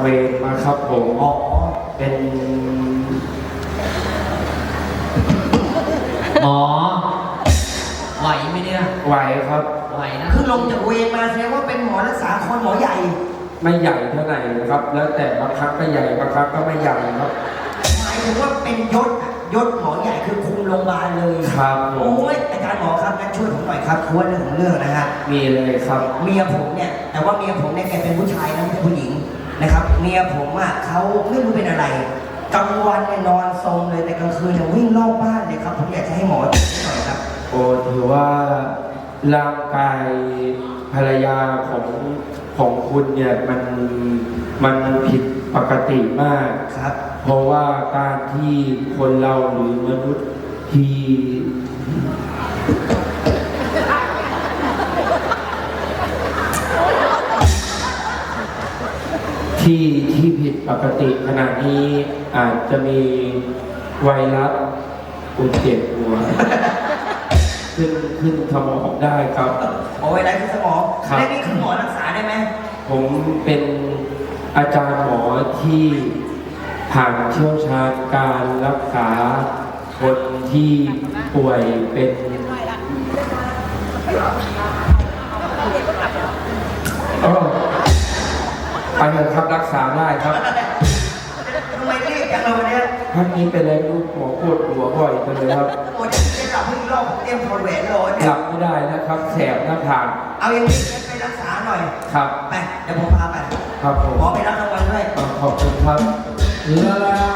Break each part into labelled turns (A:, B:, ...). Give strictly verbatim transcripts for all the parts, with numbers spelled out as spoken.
A: เวรมาครับผมอ๋อเป็น
B: หมอไหวไหมเนี่ย
A: ไหวครับ
B: ไหวนะ
C: คือลงจากเวรมาแสดงว่าเป็นหมอรักษาคนหมอใหญ่
A: ไม่ใหญ่เท่าไหร่นะครับ แล้วแต่บางครั้งก็ใหญ่บางครั้งก็ไม่ใหญ่ครับ
C: หมายถึงว่าเป็นยศยศหมอใหญ่คือคุมโรงพยาบาลเลย
A: ครับ
C: โอ้ยอาจารย์หมอครับงั้นช่วยผมหน่อยครับคือว่าเรื่องของเรื่องนะฮะ
A: มีเลยครับ
C: เมียผมเนี่ยแต่ว่าเมียผมเนี่ยแกเป็นผู้ชายนะไม่ใช่ผู้หญิงนะครับเมียผมอ่ะเขาไม่รู้เป็นอะไรกลางวันเนี่ยนอนทรงเลยแต่กลางคืนเนี่ยวิ่งรอบบ้านเลยครับผมอยากจะให้หมอช่วยหน่อยครับ
A: โอ้ถือว่าร่างกายภรรยาของของคุณเนี่ยมันมันผิดปกติมาก
C: ครับ
A: เพราะว่าการที่คนเราหรือมนุษย์ที่ที่ที่ผิดปกติขณะนี้อาจจะมีไวรัสอุดเจ็บหัวขึ้นขึ้นสมองได้ครับ
C: เอาไว้ได้ที่สมองได้นี่คือหมอรักษาได้ไหม
A: ผมเป็นอาจารย์หมอที่ผ่านเชี่ยวชาญการรักษาคนที่ป่วยเป็นอ๋อไปเถอะครับรักษาได้ครับ
C: ทำไมรีบจังเลยวันนี้
A: ท่านนี้เป็นอะไรลูกหมอปวดหัวบ่อยจังเลยครับ
C: โอ้ยจะกลับพึ่งรอบเตรียมถอดแหวนรอเนี่ย
A: หลับไม่ได้นะครับแสบหน้าผาก
C: เอาอย่างนี้ไปรักษาหน่อย
A: ครับ
C: ไปเดี๋ยวผมพาไป
A: ครับผม
C: หมอไปรับรางวัลด้วย
A: ขอบคุณครับแล้ว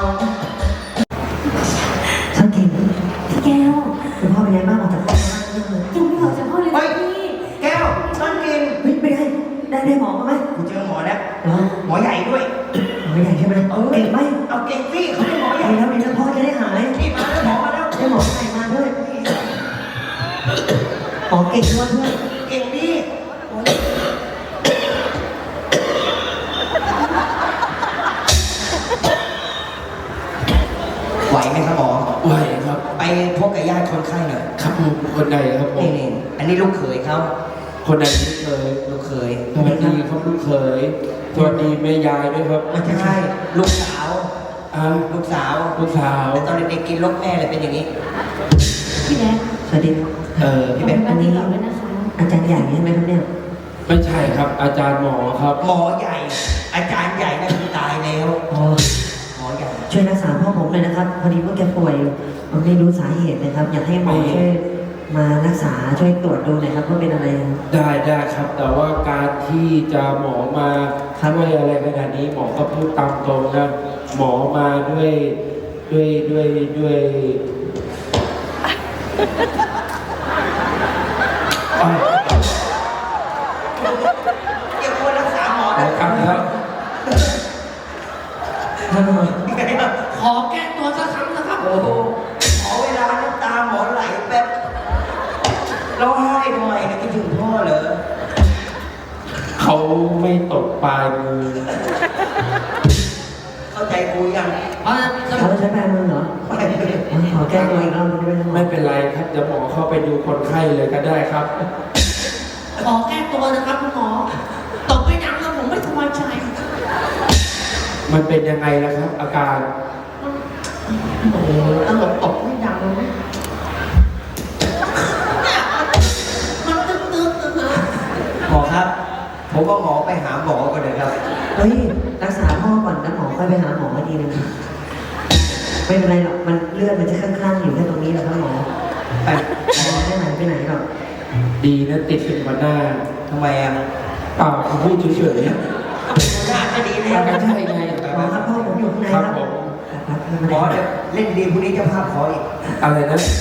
D: ช่างเก่งพี่แก้วคุณพ่อเป็นไงบ้างออกจากห้องมายังไม่ออกจากห้องเลยพี่
C: แก้วต้นกิน
D: เฮ้ยไม่ได้ได้ได้หมอมาไหม
C: กูเจอหมอแล้วหมอใหญ่ด้วย
D: หมอใหญ่ใช่ไหม
C: เออ
D: เก่งไหม
C: เอาเก่งสิเขาเป็นหมอใหญ่
D: แล้วแล้วพ่อจะได้หาย
C: นี่มาแล้วหมอมาแล้ว
D: ได้หมอใหญ่มาด้วยหมอเก่งด้วยเพื่อน
C: เก่งดีไหวไหมครับหมอ
A: ไหวครับ
C: ไปพบกับญาติคนไข้หน่อย
A: ครับผมคนใดครับผม
C: นี่อันนี้ลูกเขยเขา
A: คนใดลูกเขย
C: ลูกเขย
A: สวัสดีครับลูกเขยสวัสดีแม่ยายด้วยครับ
C: ไม่ใช่ลูกสาว
A: อ่า
C: ลูกสาว
A: ลูกสาว
C: ตอนเด็กๆกินรกแม่เลยเป็นอย่างนี้
D: พี่แบ๊สวัสดี
A: เออ
D: พี่แบ๊อันนี้อาจารย์ใหญ่ใช่ไหมครับเนี่ย
A: ไม่ใช่ครับอาจารย์หมอครับ
C: หมอใหญ่ อาจารย์ใหญ่นั่นคือตายแล้ว
D: อ๋อ
C: หมอใหญ่
D: ช่วยรักษาพ่อผมเลยนะครับพอดีว่าแกป่วยผมไม่รู้สาเหตุนะครับ อยากให้หมอช่วยมารักษาช่วยตรวจดูหน่อยครับว่าเป็นอะไร
A: ได้ได้ครับแต่ว่าการที่จะหมอมาด้วยอะไรขนาดนี้หมอก็พูดตามตรงนะหมอมาด้วยด้วยด้วยด้วย
C: เกี่ยวกับรักษาหมอ
A: นะครับครับ
B: ขอแก้ตัวสักครั้งนะครับ
C: โอ้โหขอเวลาน้ำตาหมอไหลแบบร้องไห้ทำไมนะคิดถึงพ่อเหรอ
A: เขาไม่ตกปลายมือ
C: เข้าใจกูยัง
D: เขาใช้ปลายมือเหรอขอแก้ตัวอีกรอบด้วย
A: ไม่เป็นไรครับเดี๋ยวหมอเข้าไปดูคนไข้เลยก็ได้ครับ
B: ขอแก้ตัวนะครับคุณหมอตกไปยังแล้วผมไม่สบายใจ
A: มันเป็นยังไงล่ะครับอาการ
B: โอ้ตลกตกไม่ดังเลยมันตึ๊ดตึ๊ดตึ๊ดนะ
C: หมอครับผมว่าหมอไปหาหมอก่อนเลยครับ
D: เฮ้ยรักษาพ่อก่อนนะหมอค่อยไปหาหมอดีนึงไม่เป็นไรหรอกมันเลือดมันจะข้างๆอยู่แค่ตรงนี้แหละครับหมอไปหมอไม่ไหนไปไหนหรอก
A: ดีนะติดเป็นหัวหน้า
C: ทำไมอ่ะ
A: เปล่าผมพูดเฉยๆ
C: หน้าก็ดีเลย
A: ก็ใช่ไง
D: หมอครับพ่อผมอยู่ข้างในครับ
A: ผม
C: หมอเดี๋ยวเล่นดีพรุ่งนี้เจ้าภาพขออีก
A: อะไรนะ